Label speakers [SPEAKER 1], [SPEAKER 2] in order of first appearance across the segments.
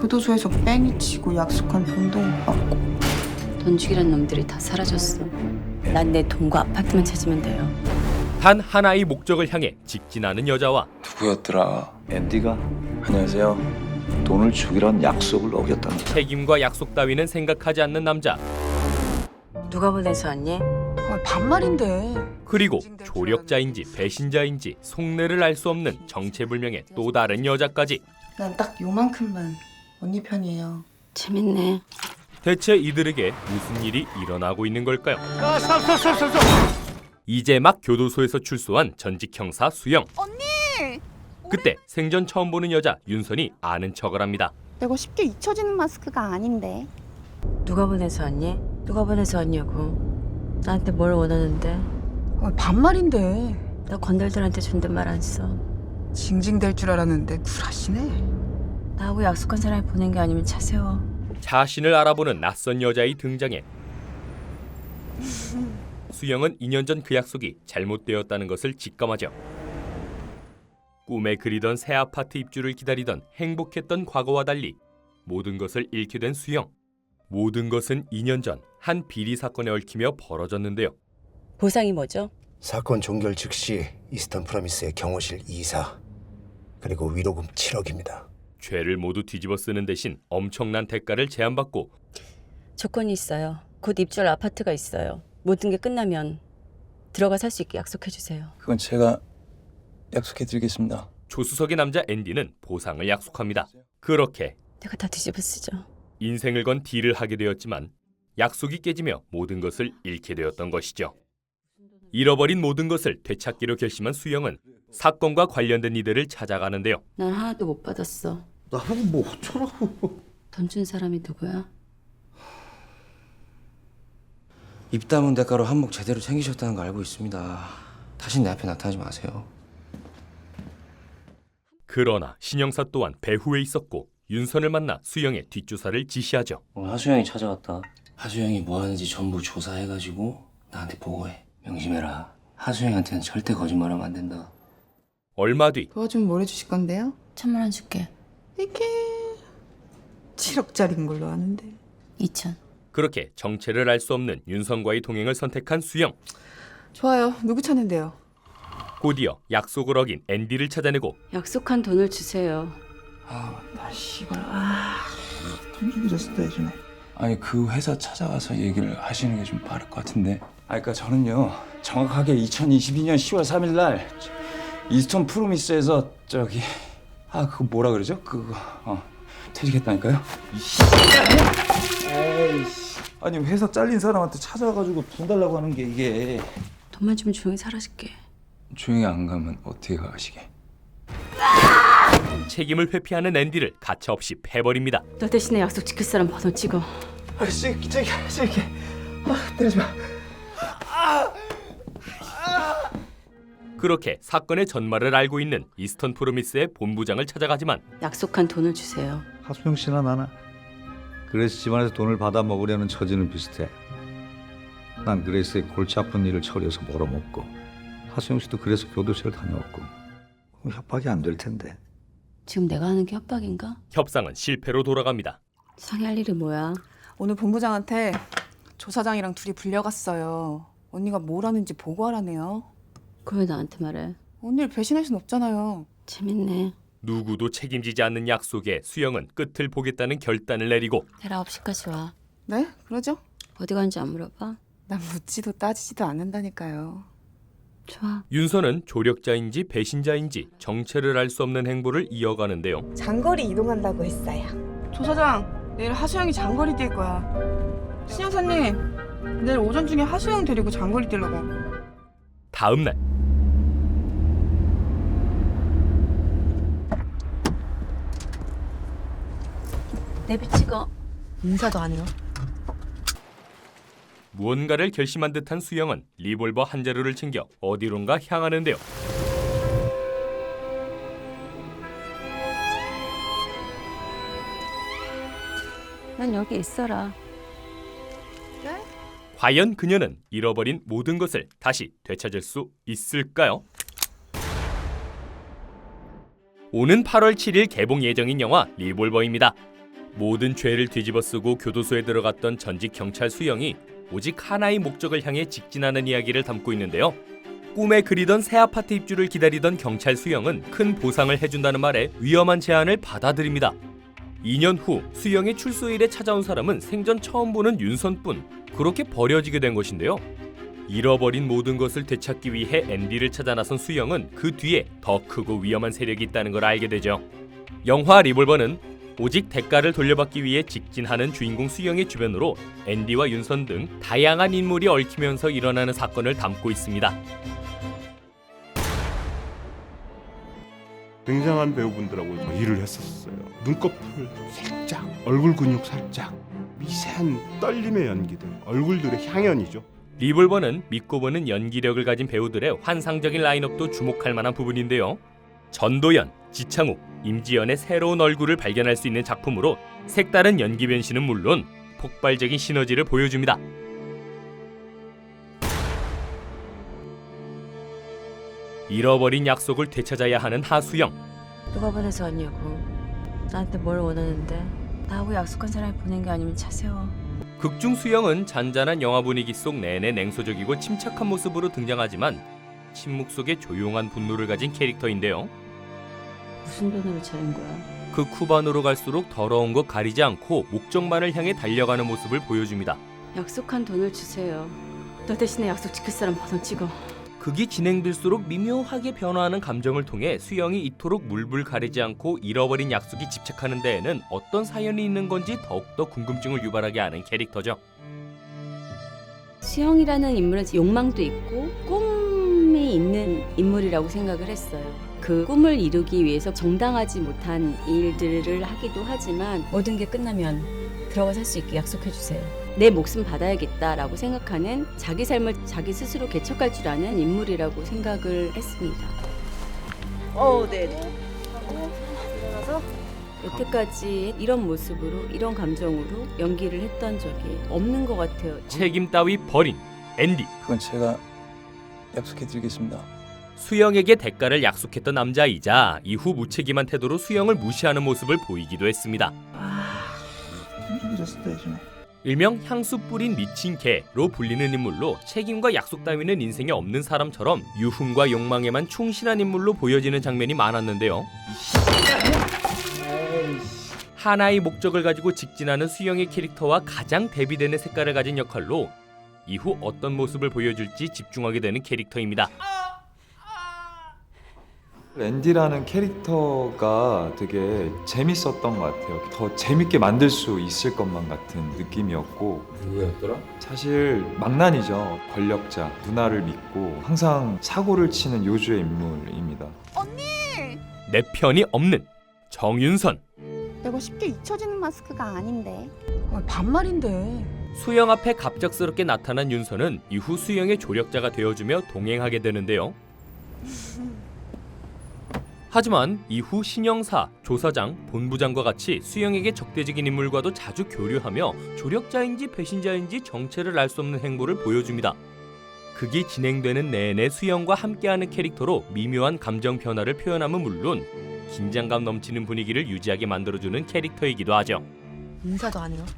[SPEAKER 1] 교도소에서 뺑이 치고 약속한 돈도 못 받고.
[SPEAKER 2] 돈 주기란 놈들이 다 사라졌어. 난 내 돈과 아파트만 찾으면 돼요.
[SPEAKER 3] 단 하나의 목적을 향해 직진하는 여자와
[SPEAKER 4] 누구였더라?
[SPEAKER 5] 앤디가
[SPEAKER 4] 안녕하세요.
[SPEAKER 5] 돈을 주기란 약속을 어겼다는 거야.
[SPEAKER 3] 책임과 약속 따위는 생각하지 않는 남자,
[SPEAKER 2] 누가 보내서 왔니?
[SPEAKER 1] 반말인데.
[SPEAKER 3] 그리고 조력자인지 배신자인지 속내를 알 수 없는 정체불명의 또 다른 여자까지.
[SPEAKER 1] 난 딱 요만큼만 언니 편이에요.
[SPEAKER 2] 재밌네.
[SPEAKER 3] 대체 이들에게 무슨 일이 일어나고 있는 걸까요? 이제 막 교도소에서 출소한 전직 형사 수영.
[SPEAKER 1] 언니!
[SPEAKER 3] 그때 생전 처음 보는 여자 윤선이 아는 척을 합니다.
[SPEAKER 1] 내가 쉽게 잊혀지는 마스크가 아닌데.
[SPEAKER 2] 누가 보내서 왔니? 누가 보내서 왔냐고. 나한테 뭘 원하는데?
[SPEAKER 1] 반말인데.
[SPEAKER 2] 나 건달들한테 존댓말 안 써.
[SPEAKER 1] 징징댈 줄 알았는데 굴하시네.
[SPEAKER 2] 나하고 약속한 사람이 보낸 게 아니면 차 세워.
[SPEAKER 3] 자신을 알아보는 낯선 여자의 등장에 수영은 2년 전 그 약속이 잘못되었다는 것을 직감하죠. 꿈에 그리던 새 아파트 입주를 기다리던 행복했던 과거와 달리 모든 것을 잃게 된 수영. 모든 것은 2년 전 한 비리 사건에 얽히며 벌어졌는데요.
[SPEAKER 2] 보상이 뭐죠?
[SPEAKER 6] 사건 종결 즉시 이스턴 프로미스의 경호실 이사 그리고 위로금 7억입니다.
[SPEAKER 3] 죄를 모두 뒤집어 쓰는 대신 엄청난 대가를 제안받고
[SPEAKER 2] 조건이 있어요. 곧 입주할 아파트가 있어요. 모든 게 끝나면 들어가 살 수 있게 약속해 주세요.
[SPEAKER 4] 그건 제가 약속해드리겠습니다.
[SPEAKER 3] 조수석의 남자 앤디는 보상을 약속합니다. 그렇게
[SPEAKER 2] 내가 다 뒤집어 쓰죠.
[SPEAKER 3] 인생을 건 딜을 하게 되었지만 약속이 깨지며 모든 것을 잃게 되었던 것이죠. 잃어버린 모든 것을 되찾기로 결심한 수영은 사건과 관련된 이들을 찾아가는데요.
[SPEAKER 2] 난 하나도 못 받았어.
[SPEAKER 6] 나보고 뭐 어쩌라고.
[SPEAKER 2] 돈 준 사람이 누구야?
[SPEAKER 7] 입 다문 대가로 한몫 제대로 챙기셨다는 거 알고 있습니다. 다신 내 앞에 나타나지 마세요.
[SPEAKER 3] 그러나 신형사 또한 배후에 있었고 윤선을 만나 수영의 뒷조사를 지시하죠.
[SPEAKER 7] 오늘 하수영이 찾아왔다. 하수영이 뭐 하는지 전부 조사해가지고 나한테 보고해. 명심해라. 하수영한테는 절대 거짓말하면 안 된다.
[SPEAKER 3] 얼마 뒤
[SPEAKER 1] 도와주면 뭘 해주실 건데요?
[SPEAKER 2] 1,000만 원 줄게.
[SPEAKER 1] 이게 7억짜리인 걸로 아는데.
[SPEAKER 2] 2,000.
[SPEAKER 3] 그렇게 정체를 알 수 없는 윤선과의 동행을 선택한 수영.
[SPEAKER 1] 좋아요. 누구 찾는데요?
[SPEAKER 3] 곧이어 약속을 어긴 앤디를 찾아내고
[SPEAKER 2] 약속한 돈을 주세요.
[SPEAKER 1] 나 씨발. 돈 주기로 쓰다 해주네.
[SPEAKER 4] 아니 그 회사 찾아가서 얘기를 하시는 게 좀 빠를 것 같은데. 그러니까 저는요 정확하게 2022년 10월 3일 날 이스턴 프로미스에서 저기 그거 뭐라 그러죠? 그거 퇴직했다니까요. 아니 회사 잘린 사람한테 찾아가지고 돈 달라고 하는 게 이게.
[SPEAKER 2] 돈만 주면 조용히 사라질게.
[SPEAKER 4] 조용히 안 가면 어떻게 가시게?
[SPEAKER 3] 책임을 회피하는 앤디를 가차없이 패버립니다.
[SPEAKER 2] 너 대신에 약속 지킬 사람 번호 찍어.
[SPEAKER 6] 저기 때리지 마.
[SPEAKER 3] 그렇게 사건의 전말을 알고 있는 이스턴 프로미스의 본부장을 찾아가지만
[SPEAKER 2] 약속한 돈을 주세요.
[SPEAKER 5] 하수영 씨나 나나 그레이스 집안에서 돈을 받아 먹으려는 처지는 비슷해. 난 그레이스의 골치 아픈 일을 처리해서 벌어먹고 하수영 씨도 그래서 교도소를 다녀왔고 협박이 안 될 텐데.
[SPEAKER 2] 지금 내가 하는 게 협박인가?
[SPEAKER 3] 협상은 실패로 돌아갑니다.
[SPEAKER 2] 상의할 일이 뭐야?
[SPEAKER 1] 오늘 본부장한테 조사장이랑 둘이 불려갔어요. 언니가 뭘 하는지 보고하라네요.
[SPEAKER 2] 그걸 왜 나한테 말해?
[SPEAKER 1] 언니를 배신할 순 없잖아요.
[SPEAKER 2] 재밌네.
[SPEAKER 3] 누구도 책임지지 않는 약속에 수영은 끝을 보겠다는 결단을 내리고
[SPEAKER 2] 내일 9시까지 와.
[SPEAKER 1] 네? 그러죠?
[SPEAKER 2] 어디 가는지 안 물어봐?
[SPEAKER 1] 난 묻지도 따지지도 않는다니까요.
[SPEAKER 2] 좋아.
[SPEAKER 3] 윤선은 조력자인지 배신자인지 정체를 알 수 없는 행보를 이어가는데요.
[SPEAKER 8] 장거리 이동한다고 했어요.
[SPEAKER 1] 조사장, 내일 하수영이 장거리 뛸 거야. 신영사님, 내일 오전 중에 하수영 데리고 장거리 뛰려고.
[SPEAKER 3] 다음 날
[SPEAKER 2] 내비 찍어.
[SPEAKER 8] 인사도 안 해요.
[SPEAKER 3] 무언가를 결심한 듯한 수영은 리볼버 한 자루를 챙겨 어디론가 향하는데요.
[SPEAKER 2] 난 여기 있어라.
[SPEAKER 3] 과연 그녀는 잃어버린 모든 것을 다시 되찾을 수 있을까요? 오는 8월 7일 개봉 예정인 영화 리볼버입니다. 모든 죄를 뒤집어쓰고 교도소에 들어갔던 전직 경찰 수영이 오직 하나의 목적을 향해 직진하는 이야기를 담고 있는데요. 꿈에 그리던 새 아파트 입주를 기다리던 경찰 수영은 큰 보상을 해준다는 말에 위험한 제안을 받아들입니다. 2년 후 수영의 출소일에 찾아온 사람은 생전 처음 보는 윤선뿐. 그렇게 버려지게 된 것인데요. 잃어버린 모든 것을 되찾기 위해 앤디를 찾아 나선 수영은 그 뒤에 더 크고 위험한 세력이 있다는 걸 알게 되죠. 영화 리볼버는 오직 대가를 돌려받기 위해 직진하는 주인공 수영의 주변으로 앤디와 윤선 등 다양한 인물이 얽히면서 일어나는 사건을 담고 있습니다.
[SPEAKER 9] 굉장한 배우분들하고 일을 했었어요. 눈꺼풀 살짝, 얼굴 근육 살짝, 미세한 떨림의 연기들, 얼굴들의 향연이죠.
[SPEAKER 3] 리볼버는 믿고 보는 연기력을 가진 배우들의 환상적인 라인업도 주목할 만한 부분인데요. 전도연, 지창욱, 임지연의 새로운 얼굴을 발견할 수 있는 작품으로 색다른 연기 변신은 물론 폭발적인 시너지를 보여줍니다. 잃어버린 약속을 되찾아야 하는 하수영.
[SPEAKER 2] 누가 보내서 왔냐고. 나한테 뭘 원하는데. 나하고 약속한 사람이 보낸 게 아니면 차 세워.
[SPEAKER 3] 극중 수영은 잔잔한 영화 분위기 속 내내 냉소적이고 침착한 모습으로 등장하지만 침묵 속에 조용한 분노를 가진 캐릭터인데요.
[SPEAKER 2] 무슨 돈으로 차린 거야?
[SPEAKER 3] 그 쿠반으로 갈수록 더러운 것 가리지 않고 목적만을 향해 달려가는 모습을 보여줍니다.
[SPEAKER 2] 약속한 돈을 주세요. 너 대신에 약속 지킬 사람 번호 찍어.
[SPEAKER 3] 극이 진행될수록 미묘하게 변화하는 감정을 통해 수영이 이토록 물불 가리지 않고 잃어버린 약속에 집착하는 데에는 어떤 사연이 있는 건지 더욱더 궁금증을 유발하게 하는 캐릭터죠.
[SPEAKER 2] 수영이라는 인물은 욕망도 있고 꿈이 있는 인물이라고 생각을 했어요. 그 꿈을 이루기 위해서 정당하지 못한 일들을 하기도 하지만 모든 게 끝나면 들어가 살 수 있게 약속해 주세요. 내 목숨 받아야겠다라고 생각하는 자기 삶을 자기 스스로 개척할 줄 아는 인물이라고 생각을 했습니다.
[SPEAKER 8] 네네.
[SPEAKER 2] 여태까지 이런 모습으로 이런 감정으로 연기를 했던 적이 없는 것 같아요.
[SPEAKER 3] 책임 따위 버린 앤디.
[SPEAKER 4] 그건 제가 약속해드리겠습니다.
[SPEAKER 3] 수영에게 대가를 약속했던 남자이자 이후 무책임한 태도로 수영을 무시하는 모습을 보이기도 했습니다. 일명 향수 뿌린 미친 개로 불리는 인물로 책임과 약속 따위는 인생에 없는 사람처럼 유흥과 욕망에만 충실한 인물로 보여지는 장면이 많았는데요. 하나의 목적을 가지고 직진하는 수영의 캐릭터와 가장 대비되는 색깔을 가진 역할로 이후 어떤 모습을 보여줄지 집중하게 되는 캐릭터입니다.
[SPEAKER 10] 앤디라는 캐릭터가 되게 재밌었던 것 같아요. 더 재밌게 만들 수 있을 것만 같은 느낌이었고.
[SPEAKER 7] 누구였더라?
[SPEAKER 10] 사실 망난이죠. 권력자, 누나를 믿고 항상 사고를 치는 요주의 인물입니다.
[SPEAKER 3] 내 편이 없는 정윤선.
[SPEAKER 8] 내가 쉽게 잊혀지는 마스크가 아닌데.
[SPEAKER 1] 반말인데.
[SPEAKER 3] 수영 앞에 갑작스럽게 나타난 윤선은 이후 수영의 조력자가 되어주며 동행하게 되는데요. 하지만 이후 신영사, 조사장, 본부장과 같이 수영에게 적대적인 인물과도 자주 교류하며 조력자인지 배신자인지 정체를 알 수 없는 행보를 보여줍니다. 극이 진행되는 내내 수영과 함께하는 캐릭터로 미묘한 감정 변화를 표현함은 물론 긴장감 넘치는 분위기를 유지하게 만들어주는 캐릭터이기도 하죠.
[SPEAKER 8] 인사도 안 해요.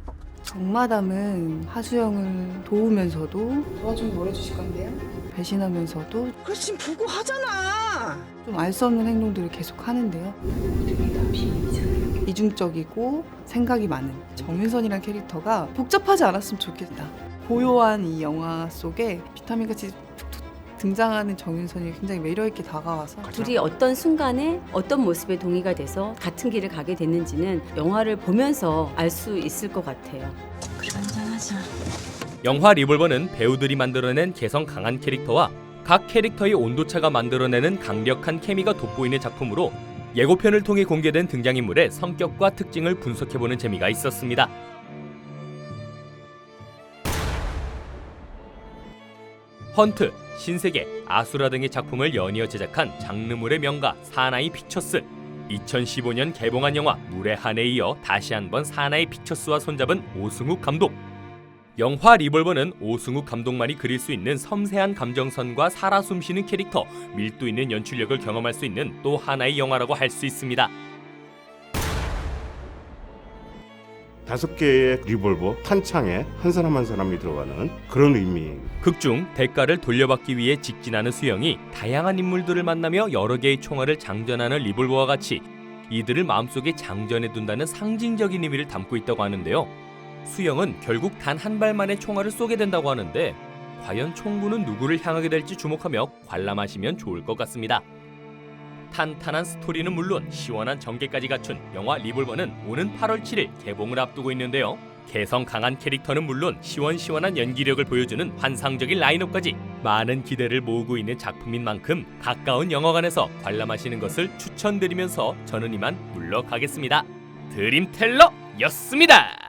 [SPEAKER 1] 정마담은 하수영을 도우면서도 도와 좀 뭘 해주실 건데요? 배신하면서도
[SPEAKER 8] 그래 지금 보고 하잖아.
[SPEAKER 1] 좀 알 수 없는 행동들을 계속 하는데요. 이중적이고 생각이 많은 정윤선이란 캐릭터가 복잡하지 않았으면 좋겠다. 고요한 이 영화 속에 비타민같이 툭툭 등장하는 정윤선이 굉장히 매력있게 다가와서
[SPEAKER 2] 둘이 어떤 순간에 어떤 모습에 동의가 돼서 같은 길을 가게 됐는지는 영화를 보면서 알 수 있을 것 같아요. 그래 한잔하자.
[SPEAKER 3] 영화 리볼버는 배우들이 만들어낸 개성 강한 캐릭터와 각 캐릭터의 온도차가 만들어내는 강력한 케미가 돋보이는 작품으로 예고편을 통해 공개된 등장인물의 성격과 특징을 분석해보는 재미가 있었습니다. 헌트, 신세계, 아수라 등의 작품을 연이어 제작한 장르물의 명가 사나이 픽처스. 2015년 개봉한 영화 물의 한에 이어 다시 한번 사나이 픽처스와 손잡은 오승욱 감독. 영화 리볼버는 오승욱 감독만이 그릴 수 있는 섬세한 감정선과 살아 숨쉬는 캐릭터, 밀도 있는 연출력을 경험할 수 있는 또 하나의 영화라고 할 수 있습니다.
[SPEAKER 9] 5개의 리볼버 탄창에 한 사람 한 사람이 들어가는 그런 의미.
[SPEAKER 3] 극중 대가를 돌려받기 위해 직진하는 수영이 다양한 인물들을 만나며 여러 개의 총알을 장전하는 리볼버와 같이 이들을 마음속에 장전해 둔다는 상징적인 의미를 담고 있다고 하는데요. 수영은 결국 단 한 발만의 총알을 쏘게 된다고 하는데 과연 총구는 누구를 향하게 될지 주목하며 관람하시면 좋을 것 같습니다. 탄탄한 스토리는 물론 시원한 전개까지 갖춘 영화 리볼버는 오는 8월 7일 개봉을 앞두고 있는데요. 개성 강한 캐릭터는 물론 시원시원한 연기력을 보여주는 환상적인 라인업까지 많은 기대를 모으고 있는 작품인 만큼 가까운 영화관에서 관람하시는 것을 추천드리면서 저는 이만 물러가겠습니다. 드림텔러였습니다.